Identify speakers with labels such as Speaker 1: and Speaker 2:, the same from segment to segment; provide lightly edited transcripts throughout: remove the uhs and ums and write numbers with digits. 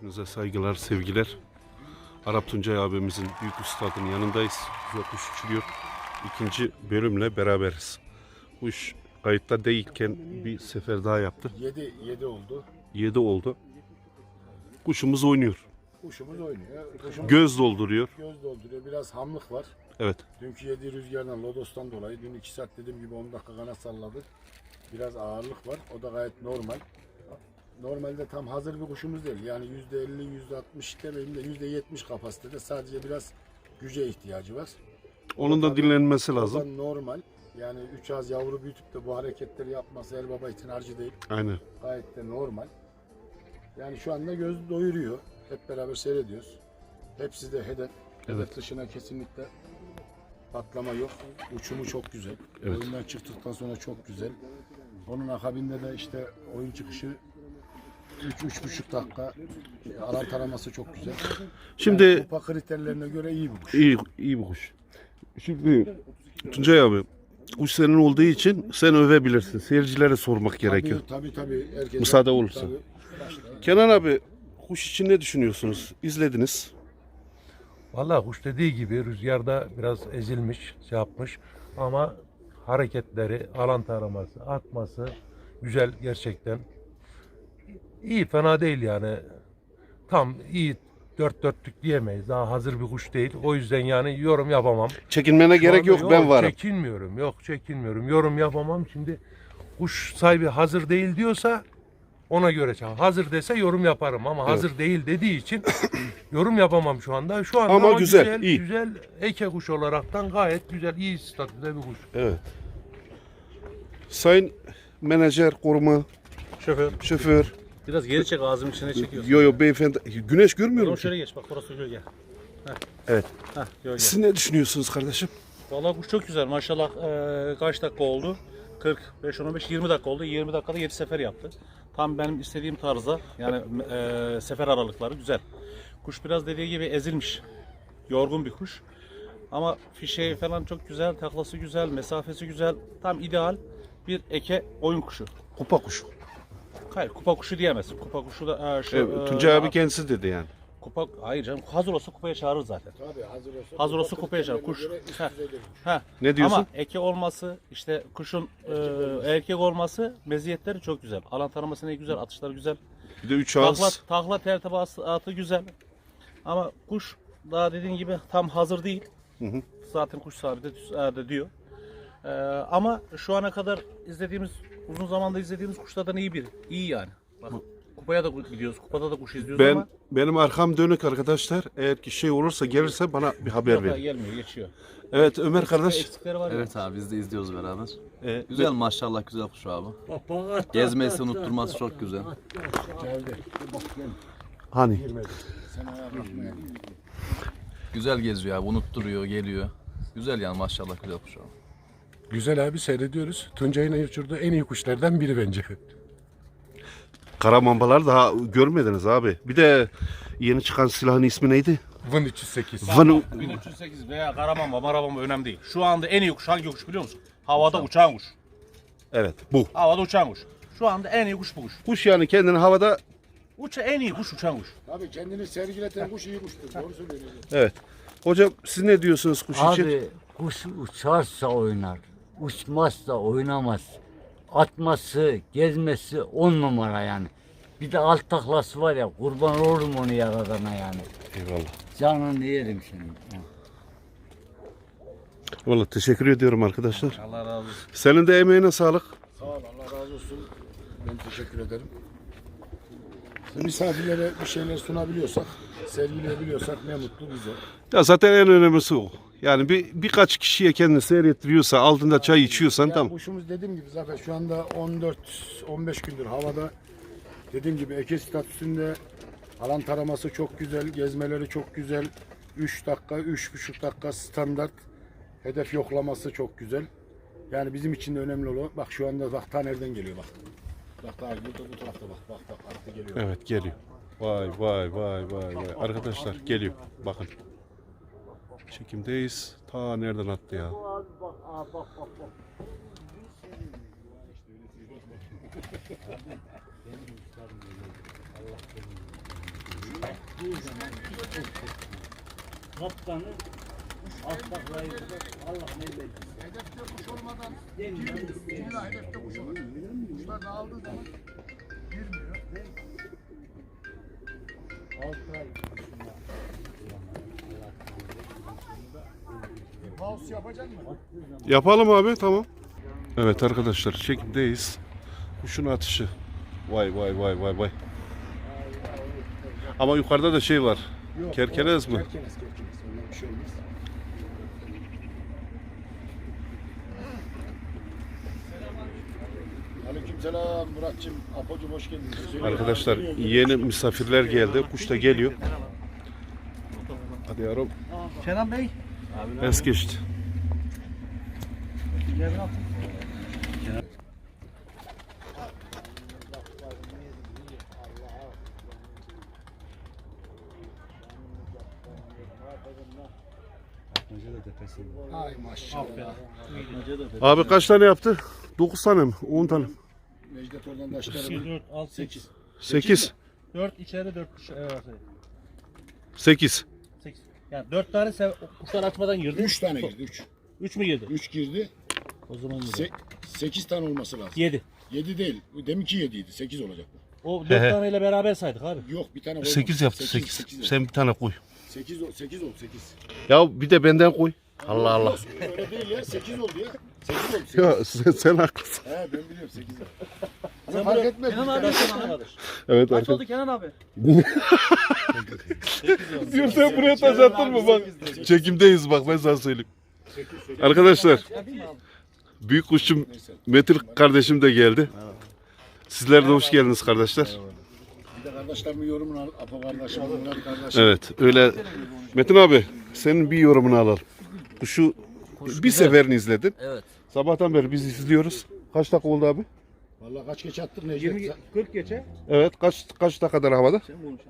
Speaker 1: Hepinize saygılar, sevgiler. Arap Tuncay abimizin büyük üstadının yanındayız. Güzel kuş uçuruyor. İkinci bölümle beraberiz. Kuş kayıtta değilken bir sefer daha yaptı.
Speaker 2: 7 oldu.
Speaker 1: 7 oldu. Kuşumuz oynuyor.
Speaker 2: Kuşumuz oynuyor. Kuşumuz
Speaker 1: Göz dolduruyor.
Speaker 2: göz dolduruyor. Biraz hamlık var.
Speaker 1: Evet.
Speaker 2: Dünkü yediği rüzgardan, lodostan dolayı dün 2 saat dediğim gibi 10 dakika kanat salladı. Biraz ağırlık var. O da gayet normal. Normalde tam hazır bir kuşumuz değil. Yani %50, %60 demeyeyim de %70 kapasitede. Sadece biraz güce ihtiyacı var.
Speaker 1: Onun da dinlenmesi
Speaker 2: O da
Speaker 1: lazım.
Speaker 2: normal. Yani 3 az yavru büyütüp de bu hareketleri yapması el baba için harcı değil.
Speaker 1: Aynen.
Speaker 2: Gayet de normal. Yani şu anda göz doyuruyor. Hep beraber seyrediyoruz. Hepsi de hedef. Hedef dışına kesinlikle patlama yok. Uçumu çok güzel.
Speaker 1: Evet.
Speaker 2: Oyundan çıktıktan sonra çok güzel. Onun akabinde de işte oyun çıkışı 3-3,5 dakika alan taraması çok güzel.
Speaker 1: Şimdi
Speaker 2: Yani kupa kriterlerine göre iyi bir kuş.
Speaker 1: iyi bir kuş. Şimdi Tuncay abi, kuş senin olduğu için sen övebilirsin. Seyircilere sormak gerekiyor.
Speaker 2: Tabii. Herkese,
Speaker 1: Müsaade olursa.
Speaker 2: tabii.
Speaker 1: Kenan abi, kuş için ne düşünüyorsunuz? İzlediniz.
Speaker 3: Vallahi kuş dediği gibi rüzgarda biraz ezilmiş, şey yapmış ama hareketleri, alan taraması, atması güzel gerçekten. İyi, fena değil yani. Tam iyi, dört dörtlük diyemeyiz. Daha hazır bir kuş değil. O yüzden yani yorum yapamam.
Speaker 1: Çekinmene
Speaker 3: Şu
Speaker 1: gerek
Speaker 3: anda
Speaker 1: yok, ben varım.
Speaker 3: Çekinmiyorum. Yorum yapamam. Şimdi kuş sahibi hazır değil diyorsa ona göre çal. Hazır dese yorum yaparım ama hazır değil dediği için yorum yapamam şu anda. Şu anda
Speaker 1: Ama güzel, iyi.
Speaker 3: güzel eke kuş olaraktan gayet güzel, iyi statüde bir kuş.
Speaker 1: Evet. Sayın menajer, koruma, şoför.
Speaker 4: Biraz geri çek, ağzımın içine çekiyorsun.
Speaker 1: Yo beyefendi. Güneş görmüyorum
Speaker 4: Oğlum
Speaker 1: ki.
Speaker 4: şöyle geç, bak burası gölge. Heh.
Speaker 1: Evet.
Speaker 4: Heh, gölge.
Speaker 1: Siz ne düşünüyorsunuz kardeşim?
Speaker 4: Vallahi kuş çok güzel maşallah. Kaç dakika oldu? 45, 15, 20 dakika oldu. 20 dakikada 7 sefer yaptı. Tam benim istediğim tarzda. Yani sefer aralıkları güzel. Kuş biraz dediği gibi ezilmiş. Yorgun bir kuş. Ama fişeği falan çok güzel, taklası güzel, mesafesi güzel. Tam ideal bir eke oyun kuşu.
Speaker 1: Kupa kuşu.
Speaker 4: Hayır, kupa kuşu diyemezsin. Kupa kuşu da
Speaker 1: Evet, Tuncay abi kendisi dedi yani.
Speaker 4: Kupa, hayır canım, hazır olsa kupaya çağırır zaten.
Speaker 2: Tabii hazır olsa.
Speaker 4: Hazır olsa kupaya çağırır. Kuş.
Speaker 2: Göre üst
Speaker 4: Heh.
Speaker 2: düzeyde bir kuş.
Speaker 4: Heh.
Speaker 1: Ne diyorsun?
Speaker 4: Ama eke olması, işte kuşun erkek olması meziyetleri çok güzel. Alan taraması ne güzel, atışları güzel.
Speaker 1: Bir de 3 ağız.
Speaker 4: Takla tertibatı güzel. Ama kuş daha dediğin gibi tam hazır değil.
Speaker 1: Hı.
Speaker 4: Zaten kuş sahibi de diyor. Ama şu ana kadar izlediğimiz, uzun zamanda izlediğimiz kuşlardan iyi yani. Bak, kupaya da gidiyoruz, kupada da kuş izliyoruz ama
Speaker 1: Benim arkam dönük arkadaşlar. Eğer ki şey olursa, gelirse bana bir haber
Speaker 4: yok,
Speaker 1: verin.
Speaker 4: gelmiyor, geçiyor.
Speaker 1: Evet Ömer kardeş.
Speaker 4: Eksikleri var ya.
Speaker 5: Evet abi biz de izliyoruz beraber.
Speaker 1: Ee,
Speaker 5: Güzel maşallah, güzel kuş abi. Gezmesi, unutturması çok güzel.
Speaker 1: Hani?
Speaker 5: Güzel geziyor abi, unutturuyor, geliyor. Güzel yani maşallah, güzel kuş abi.
Speaker 6: Güzel abi, seyrediyoruz. Tuncay'ın uçurduğu en iyi kuşlardan biri bence.
Speaker 1: Karamambalar daha görmediniz abi. Bir de yeni çıkan silahın ismi neydi?
Speaker 6: Vın 308.
Speaker 1: Vanu.
Speaker 4: 1308 veya Karamamba, Marabamba önemli değil. Şu anda en iyi kuş hangi kuş biliyor musun? Havada uçan kuş.
Speaker 1: Evet bu.
Speaker 4: Havada uçan kuş. Şu anda en iyi kuş bu kuş.
Speaker 1: Kuş yani kendini havada.
Speaker 4: En iyi kuş uçan kuş.
Speaker 2: Tabii kendini sergileten kuş iyi kuştur. Doğru söylüyorsun.
Speaker 1: Evet. Hocam siz ne diyorsunuz kuş için?
Speaker 7: Abi kuş uçarsa oynar, uçmazsa oynamaz. Atması, gezmesi 10 numara yani. Bir de alt taklası var ya, kurban olurum onu yaradana yani.
Speaker 1: Eyvallah.
Speaker 7: Canını yerim senin. Ya.
Speaker 1: Vallahi teşekkür ediyorum arkadaşlar.
Speaker 4: Allah razı olsun.
Speaker 1: Senin de emeğine sağlık.
Speaker 2: Sağ ol, Allah razı olsun. Ben teşekkür ederim. Misafirlere bir şeyler sunabiliyorsak, sergileyebiliyorsak ne mutlu bize.
Speaker 1: Ya zaten en önemlisi o. Yani birkaç kişiye kendini seyrettiriyorsa, altında çay içiyorsan
Speaker 2: Yani
Speaker 1: tamam.
Speaker 2: kuşumuz dediğim gibi zaten şu anda 14-15 gündür havada. Dediğim gibi eke statüsünde, alan taraması çok güzel, gezmeleri çok güzel. 3 dakika, 3,5 dakika standart. Hedef yoklaması çok güzel. Yani bizim için de önemli olan, bak şu anda bak ta nereden geliyor bak. Bak daha burada bu tarafta bak arttı geliyor.
Speaker 1: Evet geliyor. Vay. Arkadaşlar geliyor. Bakın. Çekimdeyiz. Ta nereden attı ya?
Speaker 7: Kaptanı alt taklayı Allah ne bilsin.
Speaker 2: Hedefte kuş olmadan illa hedefte kuş olur. Kuşlar dağıldığı zaman girmiyor. Pause yapacak mı?
Speaker 1: Yapalım abi, tamam. Evet arkadaşlar, çekimdeyiz. Kuşun atışı. Vay vay vay vay vay. Ama yukarıda da şey var.
Speaker 2: Yok,
Speaker 1: Kerkenes mi?
Speaker 2: Kerkenes. Ondan bir şey olmaz. Aleykümselam Muratçım, Apocuğum hoş geldiniz.
Speaker 1: Arkadaşlar yeni misafirler geldi. Kuş da geliyor. Hadi yavrum.
Speaker 4: Kenan Bey.
Speaker 1: Es geçti.
Speaker 2: Ay maşallah.
Speaker 1: Abi kaç tane yaptı? 9 tane mi? 10 tane mi?
Speaker 2: Necdet oradan taşları.
Speaker 4: 4, 6, 8.
Speaker 1: 8.
Speaker 4: 4 içeri 4 dışarı.
Speaker 1: 8.
Speaker 4: 8. Yani 4 tane kuşlar açmadan girdi.
Speaker 2: 3 tane girdi 3.
Speaker 4: 3 mü girdi?
Speaker 2: 3 girdi.
Speaker 4: O zaman girdi.
Speaker 2: 8 tane olması lazım.
Speaker 4: 7.
Speaker 2: 7 değil. Deminki 7 idi. 8 olacak bu.
Speaker 4: O 4 taneyle beraber saydık abi.
Speaker 2: Yok bir tane koymadım.
Speaker 1: 8 yaptı 8. Sen bir tane koy.
Speaker 2: 8 oldu 8.
Speaker 1: Ya bir de benden koy. Allah Allah.
Speaker 2: Öyle değil ya 8 oldu ya. 8 oldu. 8.
Speaker 1: Ya sen haklısın.
Speaker 2: He ben biliyorum 8 oldu. Ama fark etmez.
Speaker 4: Kenan abi
Speaker 1: Evet
Speaker 4: kaç
Speaker 1: arkadaşlar.
Speaker 4: oldu Kenan abi?
Speaker 1: Diyor sen buraya taş attın mı bak. Çekimdeyiz bak ben sana söyleyeyim. Arkadaşlar büyük kuşçum Metin kardeşim de geldi. Sizler de hoş geldiniz kardeşler.
Speaker 2: Bir de kardeşlerimin yorumunu al. Apo kardeşim, Murat kardeşim.
Speaker 1: Evet öyle. Metin abi senin bir yorumunu alalım. Kuşu bir seferini izledin.
Speaker 8: Evet.
Speaker 1: Sabahtan beri biz izliyoruz. Kaç dakika oldu abi?
Speaker 2: Vallahi kaç geç attık Necdet?
Speaker 4: 40 geçe.
Speaker 1: Evet kaç dakikadır havada?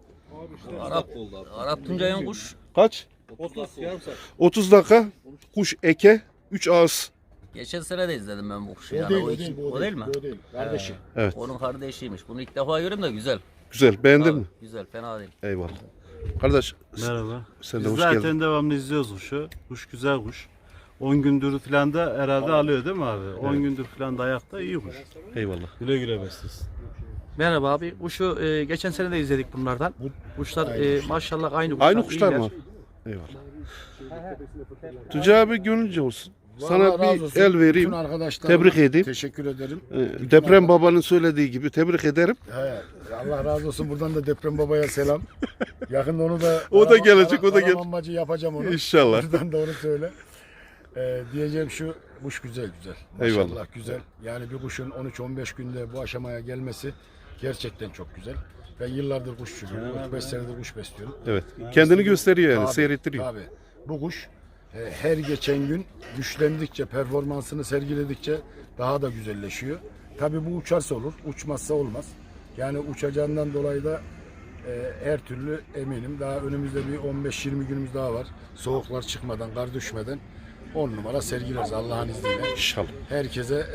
Speaker 8: Arap Tuncay'ın kuş
Speaker 1: Kaç?
Speaker 4: 30 yarım saat.
Speaker 1: 30 dakika. Kuş eke 3 ağız.
Speaker 8: geçen sene de izledim ben bu kuşu.
Speaker 2: O
Speaker 8: Yani.
Speaker 2: değil,
Speaker 8: O
Speaker 2: o
Speaker 8: iki-
Speaker 2: değil,
Speaker 8: o değil mi?
Speaker 2: O değil. Kardeşi.
Speaker 8: Onun kardeşiymiş. Bunu ilk defa görüyorum da güzel.
Speaker 1: Güzel beğendin mi?
Speaker 8: Güzel, fena değil.
Speaker 1: Eyvallah. Kardeş
Speaker 9: Merhaba.
Speaker 1: sen de
Speaker 9: Biz
Speaker 1: hoş
Speaker 9: zaten
Speaker 1: geldin.
Speaker 9: devamlı izliyoruz kuşu. Kuş güzel kuş. 10 gündür falan da herhalde alıyor değil mi abi? 10 gündür falan da ayakta iyi kuş.
Speaker 1: Eyvallah.
Speaker 9: Güle güle beslesin.
Speaker 10: Merhaba abi. Kuşu geçen sene de izledik bunlardan. Kuşlar maşallah aynı kuşlar.
Speaker 1: Aynı kuşlar mı?
Speaker 10: iyiler.
Speaker 1: Eyvallah. Tuncay abi gönlünce olsun. Sana
Speaker 2: Vallahi razı
Speaker 1: bir
Speaker 2: olsun.
Speaker 1: el vereyim.
Speaker 2: Bütün arkadaşlarıma
Speaker 1: Tebrik edeyim.
Speaker 2: Teşekkür ederim.
Speaker 1: Deprem babanın söylediği gibi tebrik ederim.
Speaker 2: He, Allah razı olsun. Buradan da Deprem Baba'ya selam. Yakında onu da
Speaker 1: O da gelecek, o da gelecek.
Speaker 2: Karamanmacı yapacağım onu.
Speaker 1: İnşallah.
Speaker 2: Buradan da onu söyle. Diyeceğim şu, kuş güzel. Maşallah
Speaker 1: Eyvallah.
Speaker 2: güzel. Yani bir kuşun 13-15 günde bu aşamaya gelmesi gerçekten çok güzel. Ben yıllardır kuşçuyum. 35 senedir kuş besliyorum.
Speaker 1: Evet. Kendini gösteriyor yani,
Speaker 2: Tabii,
Speaker 1: seyrettiriyor.
Speaker 2: Tabii. Bu kuş her geçen gün güçlendikçe, performansını sergiledikçe daha da güzelleşiyor. Tabii bu uçarsa olur, uçmazsa olmaz. Yani uçacağından dolayı da her türlü eminim. Daha önümüzde bir 15-20 günümüz daha var. Soğuklar çıkmadan, kar düşmeden 10 numara sergileriz Allah'ın izniyle.
Speaker 1: İnşallah.
Speaker 2: Herkese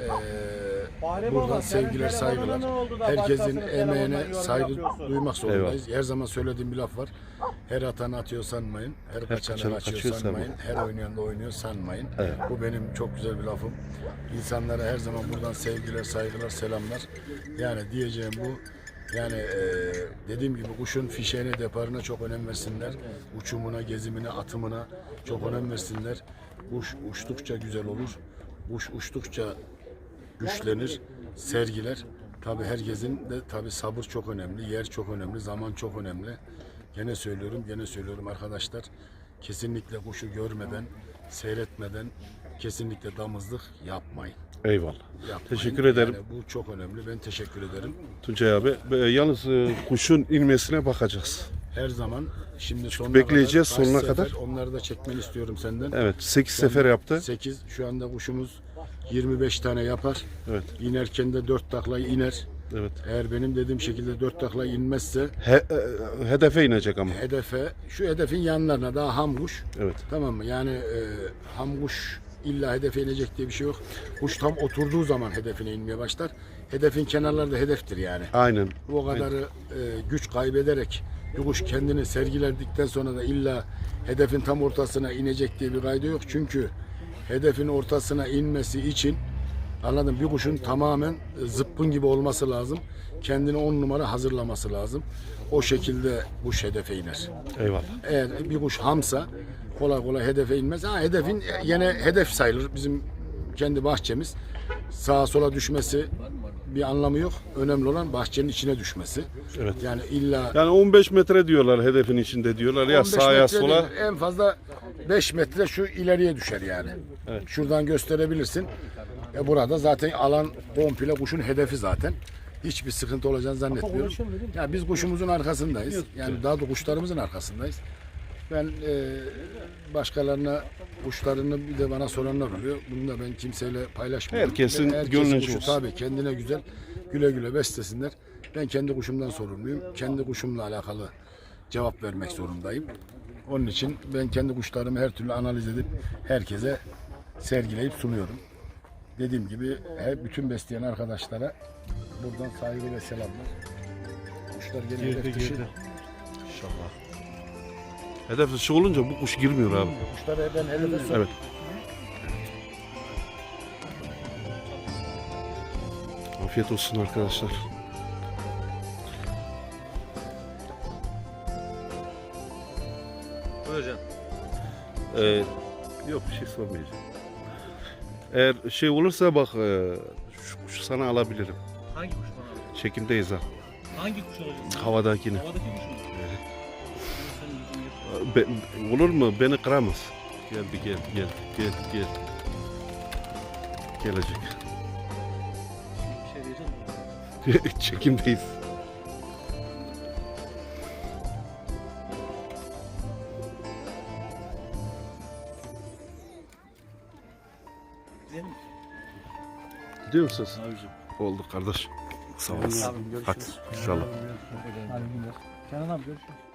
Speaker 2: buradan sevgiler, saygılar. Herkesin emeğine saygı duymak zorundayız. Her zaman söylediğim bir laf var. Her atan atıyor sanmayın. Her kaçanı kaçıyor sanmayın. Her oynayan da oynuyor sanmayın. Bu benim çok güzel bir lafım. İnsanlara her zaman buradan sevgiler, saygılar, selamlar. Yani diyeceğim bu. Yani dediğim gibi kuşun fişeğine, deparına çok önem versinler. Uçumuna, gezimine, atımına çok önem versinler. Kuş uçtukça güzel olur. Kuş uçtukça güçlenir, sergiler. Tabii herkesin de tabii sabır çok önemli, yer çok önemli, zaman çok önemli. Gene söylüyorum arkadaşlar. Kesinlikle kuşu görmeden, seyretmeden kesinlikle damızlık yapmayın.
Speaker 1: Eyvallah.
Speaker 2: Yapmayın.
Speaker 1: Teşekkür ederim.
Speaker 2: Yani bu çok önemli. Ben teşekkür ederim.
Speaker 1: Tuncay abi. Yalnız kuşun inmesine bakacağız.
Speaker 2: Her zaman şimdi sonuna
Speaker 1: bekleyeceğiz,
Speaker 2: kadar,
Speaker 1: sonuna
Speaker 2: kaç
Speaker 1: kadar.
Speaker 2: sefer, onları da çekmeni istiyorum senden.
Speaker 1: Evet. 8 sefer yaptı.
Speaker 2: 8. Şu anda kuşumuz 25 tane yapar.
Speaker 1: Evet.
Speaker 2: İnerken de 4 takla iner.
Speaker 1: Evet.
Speaker 2: Eğer benim dediğim şekilde 4 takla inmezse
Speaker 1: Hedefe inecek ama.
Speaker 2: şu hedefin yanlarına daha ham kuş.
Speaker 1: Evet.
Speaker 2: Tamam mı? Yani ham kuş illa hedefe inecek diye bir şey yok. Kuş tam oturduğu zaman hedefine inmeye başlar. Hedefin kenarları da hedeftir yani.
Speaker 1: Aynen.
Speaker 2: O kadarı güç kaybederek Bir kuş kendini sergiledikten sonra da illa hedefin tam ortasına inecek diye bir kaydı yok. Çünkü hedefin ortasına inmesi için anladım, bir kuşun tamamen zıppın gibi olması lazım. Kendini 10 numara hazırlaması lazım. O şekilde kuş hedefe iner.
Speaker 1: Eyvallah.
Speaker 2: Eğer bir kuş hamsa kolay kolay hedefe inmez. Ha, hedefin yine hedef sayılır. Bizim kendi bahçemiz. Sağa sola düşmesi bir anlamı yok. Önemli olan bahçenin içine düşmesi.
Speaker 1: Evet.
Speaker 2: Yani illa
Speaker 1: Yani 15 metre diyorlar hedefin içinde diyorlar ya
Speaker 2: 15
Speaker 1: sağa ya
Speaker 2: metre
Speaker 1: sola.
Speaker 2: değil, en fazla 5 metre şu ileriye düşer yani.
Speaker 1: Evet.
Speaker 2: Şuradan gösterebilirsin. Burada zaten alan komple kuşun hedefi zaten. Hiçbir sıkıntı olacağını zannetmiyorum. Ya biz kuşumuzun arkasındayız. Yani daha da kuşlarımızın arkasındayız. Ben başkalarına kuşlarını bir de bana soranlar oluyor. Bunu da ben kimseyle paylaşmıyorum.
Speaker 1: Herkesin
Speaker 2: Herkesin
Speaker 1: gönlünce
Speaker 2: kuşu
Speaker 1: olsun.
Speaker 2: tabii kendine güzel, güle güle beslesinler. Ben kendi kuşumdan sorumluyum. Kendi kuşumla alakalı cevap vermek zorundayım. Onun için ben kendi kuşlarımı her türlü analiz edip herkese sergileyip sunuyorum. Dediğim gibi bütün besleyen arkadaşlara buradan saygı ve selamlar. Kuşlar gene hedef dışı.
Speaker 1: İnşallah. Hedef dışı olunca bu kuş girmiyor abi.
Speaker 2: Kuşları ben hedefe sok.
Speaker 1: Evet. Afiyet olsun arkadaşlar.
Speaker 4: Buyurcan.
Speaker 1: Yok bir şey sormayacağım. Eğer şey olursa bak şu kuşu sana alabilirim.
Speaker 4: Hangi kuş bana alıyor?
Speaker 1: Çekimdeyiz ha.
Speaker 4: Hangi kuş alacaksın?
Speaker 1: Havadakini.
Speaker 4: Havadaki kuş mu?
Speaker 1: Olur mu? Beni kıramaz. Gel. Gelecek.
Speaker 4: Bir şey diyeceğim mi?
Speaker 1: Çekimdeyiz.
Speaker 4: Gidelim mi?
Speaker 1: Gidiyor musunuz?
Speaker 4: Abicim.
Speaker 1: Oldu kardeş. Sağ olasın. Hadi inşallah.
Speaker 10: Kenan abi görüşürüz.